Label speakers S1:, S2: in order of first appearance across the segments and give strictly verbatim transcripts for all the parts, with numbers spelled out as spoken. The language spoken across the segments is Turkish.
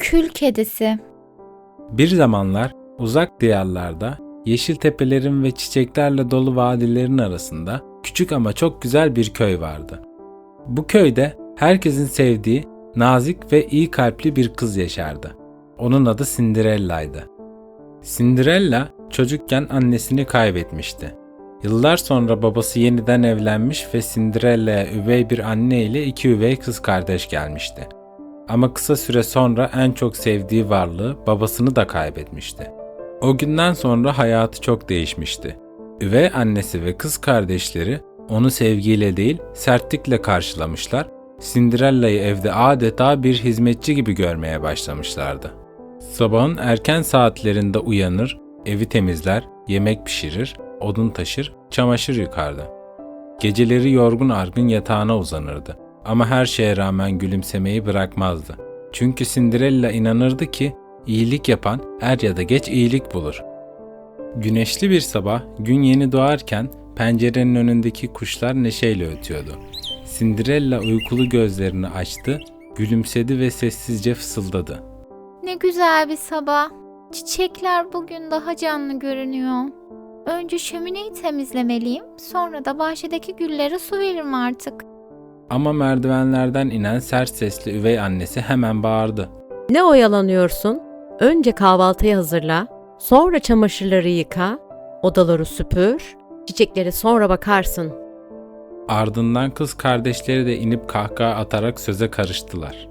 S1: Kül kedisi.
S2: Bir zamanlar uzak diyarlarda, yeşil tepelerin ve çiçeklerle dolu vadilerin arasında küçük ama çok güzel bir köy vardı. Bu köyde herkesin sevdiği, nazik ve iyi kalpli bir kız yaşardı. Onun adı Cinderella'ydı. Cinderella çocukken annesini kaybetmişti. Yıllar sonra babası yeniden evlenmiş ve Cinderella'ya üvey bir anne ile iki üvey kız kardeş gelmişti. Ama kısa süre sonra en çok sevdiği varlığı, babasını da kaybetmişti. O günden sonra hayatı çok değişmişti. Üvey annesi ve kız kardeşleri onu sevgiyle değil, sertlikle karşılamışlar, Cinderella'yı evde adeta bir hizmetçi gibi görmeye başlamışlardı. Sabahın erken saatlerinde uyanır, evi temizler, yemek pişirir, odun taşır, çamaşır yıkardı. Geceleri yorgun argın yatağına uzanırdı. Ama her şeye rağmen gülümsemeyi bırakmazdı. Çünkü Cinderella inanırdı ki iyilik yapan er ya da geç iyilik bulur. Güneşli bir sabah, gün yeni doğarken pencerenin önündeki kuşlar neşeyle ötüyordu. Cinderella uykulu gözlerini açtı, gülümsedi ve sessizce fısıldadı.
S1: Ne güzel bir sabah. Çiçekler bugün daha canlı görünüyor. Önce şömineyi temizlemeliyim, sonra da bahçedeki güllere su veririm artık.
S2: Ama merdivenlerden inen sert sesli üvey annesi hemen bağırdı.
S3: Ne oyalanıyorsun? Önce kahvaltıyı hazırla, sonra çamaşırları yıka, odaları süpür, çiçeklere sonra bakarsın.
S2: Ardından kız kardeşleri de inip kahkaha atarak söze karıştılar.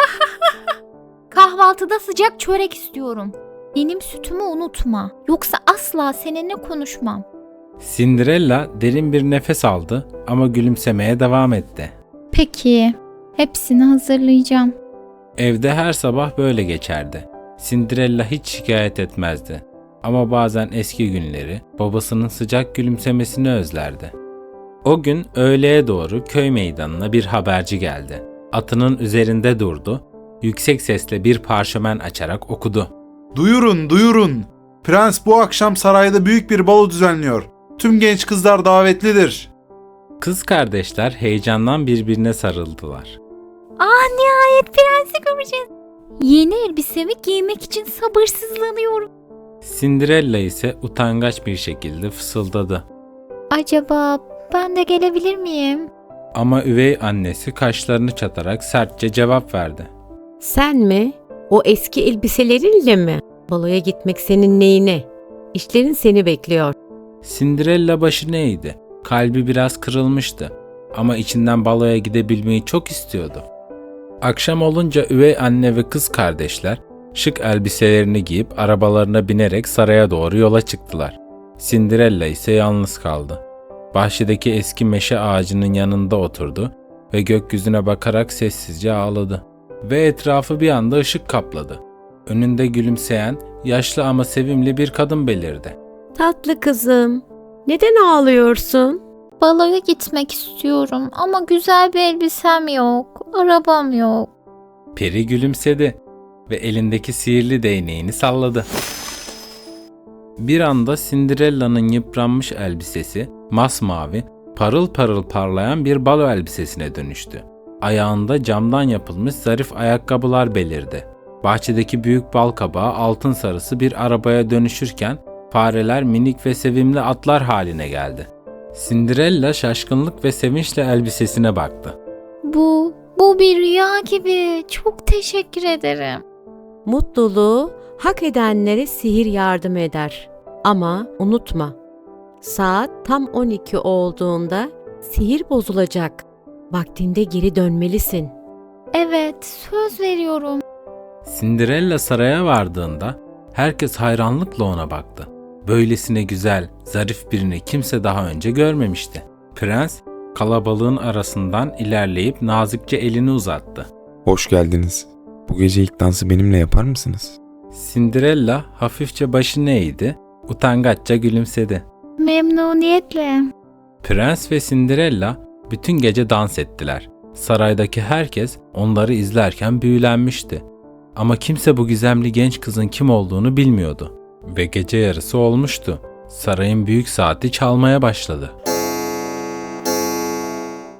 S1: Kahvaltıda sıcak çörek istiyorum. Benim sütümü unutma. Yoksa asla seninle konuşmam.
S2: Cinderella derin bir nefes aldı ama gülümsemeye devam etti.
S1: Peki, hepsini hazırlayacağım.
S2: Evde her sabah böyle geçerdi. Cinderella hiç şikayet etmezdi. Ama bazen eski günleri, babasının sıcak gülümsemesini özlerdi. O gün öğleye doğru köy meydanına bir haberci geldi. Atının üzerinde durdu, yüksek sesle bir parşömen açarak okudu.
S4: Duyurun, duyurun. Prens bu akşam sarayda büyük bir balo düzenliyor. Tüm genç kızlar davetlidir.
S2: Kız kardeşler heyecandan birbirine sarıldılar.
S1: Aa, nihayet prensi göreceğiz. Yeni elbisemi giymek için sabırsızlanıyorum.
S2: Cinderella ise utangaç bir şekilde fısıldadı.
S1: Acaba ben de gelebilir miyim?
S2: Ama üvey annesi kaşlarını çatarak sertçe cevap verdi.
S3: Sen mi? O eski elbiselerinle mi? Baloya gitmek senin neyine? İşlerin seni bekliyor.
S2: Cinderella başını eğdi. Kalbi biraz kırılmıştı. Ama içinden baloya gidebilmeyi çok istiyordu. Akşam olunca üvey anne ve kız kardeşler şık elbiselerini giyip arabalarına binerek saraya doğru yola çıktılar. Cinderella ise yalnız kaldı. Bahçedeki eski meşe ağacının yanında oturdu ve gökyüzüne bakarak sessizce ağladı. Ve etrafı bir anda ışık kapladı. Önünde gülümseyen, yaşlı ama sevimli bir kadın belirdi.
S3: Tatlı kızım, neden ağlıyorsun?
S1: Baloya gitmek istiyorum ama güzel bir elbisem yok, arabam yok.
S2: Peri gülümsedi ve elindeki sihirli değneğini salladı. Bir anda Cinderella'nın yıpranmış elbisesi masmavi, parıl parıl parlayan bir balo elbisesine dönüştü. Ayağında camdan yapılmış zarif ayakkabılar belirdi. Bahçedeki büyük balkabağı altın sarısı bir arabaya dönüşürken fareler minik ve sevimli atlar haline geldi. Cinderella şaşkınlık ve sevinçle elbisesine baktı.
S1: Bu, bu bir rüya gibi. Çok teşekkür ederim.
S3: Mutluluğu hak edenlere sihir yardım eder. Ama unutma, saat tam on iki olduğunda sihir bozulacak. Vaktinde geri dönmelisin.
S1: Evet, söz veriyorum.
S2: Cinderella saraya vardığında herkes hayranlıkla ona baktı. Böylesine güzel, zarif birini kimse daha önce görmemişti. Prens kalabalığın arasından ilerleyip nazikçe elini uzattı.
S5: Hoş geldiniz. Bu gece ilk dansı benimle yapar mısınız?
S2: Cinderella hafifçe başını eğdi, utangaçça gülümsedi.
S1: Memnuniyetle.
S2: Prens ve Cinderella bütün gece dans ettiler. Saraydaki herkes onları izlerken büyülenmişti. Ama kimse bu gizemli genç kızın kim olduğunu bilmiyordu. Ve gece yarısı olmuştu. Sarayın büyük saati çalmaya başladı.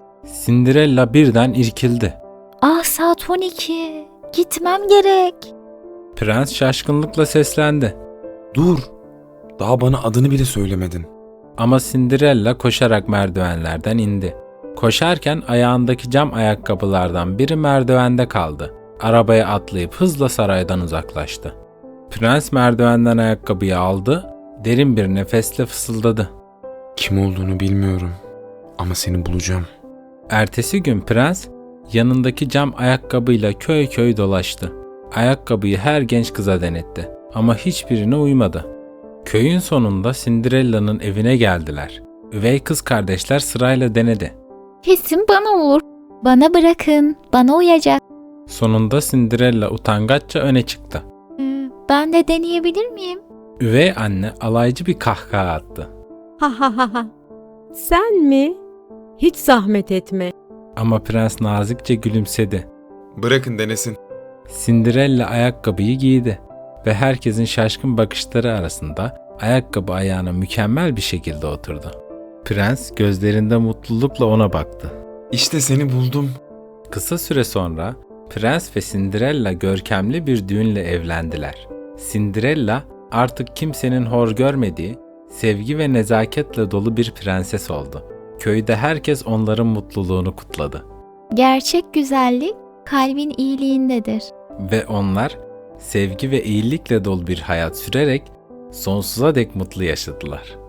S2: Cinderella birden irkildi.
S1: Ah, saat on iki. Gitmem gerek.
S2: Prens şaşkınlıkla seslendi.
S5: Dur. Daha bana adını bile söylemedin.
S2: Ama Cinderella koşarak merdivenlerden indi. Koşarken ayağındaki cam ayakkabılardan biri merdivende kaldı. Arabaya atlayıp hızla saraydan uzaklaştı. Prens merdivenden ayakkabıyı aldı, derin bir nefesle fısıldadı.
S5: Kim olduğunu bilmiyorum ama seni bulacağım.
S2: Ertesi gün prens yanındaki cam ayakkabıyla köy köy dolaştı. Ayakkabıyı her genç kıza denetti ama hiçbirine uymadı. Köyün sonunda Cinderella'nın evine geldiler. Üvey kız kardeşler sırayla denedi.
S1: Kesin bana olur. Bana bırakın. Bana uyacak.
S2: Sonunda Cinderella utangaçça öne çıktı.
S1: Ee, ben de deneyebilir miyim?
S2: Üvey anne alaycı bir kahkaha attı.
S3: Ha ha ha ha. Sen mi? Hiç zahmet etme.
S2: Ama prens nazikçe gülümsedi.
S5: Bırakın denesin.
S2: Cinderella ayakkabıyı giydi ve herkesin şaşkın bakışları arasında ayakkabı ayağına mükemmel bir şekilde oturdu. Prens gözlerinde mutlulukla ona baktı.
S5: İşte seni buldum.
S2: Kısa süre sonra Prens ve Cinderella görkemli bir düğünle evlendiler. Cinderella artık kimsenin hor görmediği, sevgi ve nezaketle dolu bir prenses oldu. Köyde herkes onların mutluluğunu kutladı.
S1: Gerçek güzellik kalbin iyiliğindedir.
S2: Ve onlar sevgi ve iyilikle dolu bir hayat sürerek sonsuza dek mutlu yaşadılar.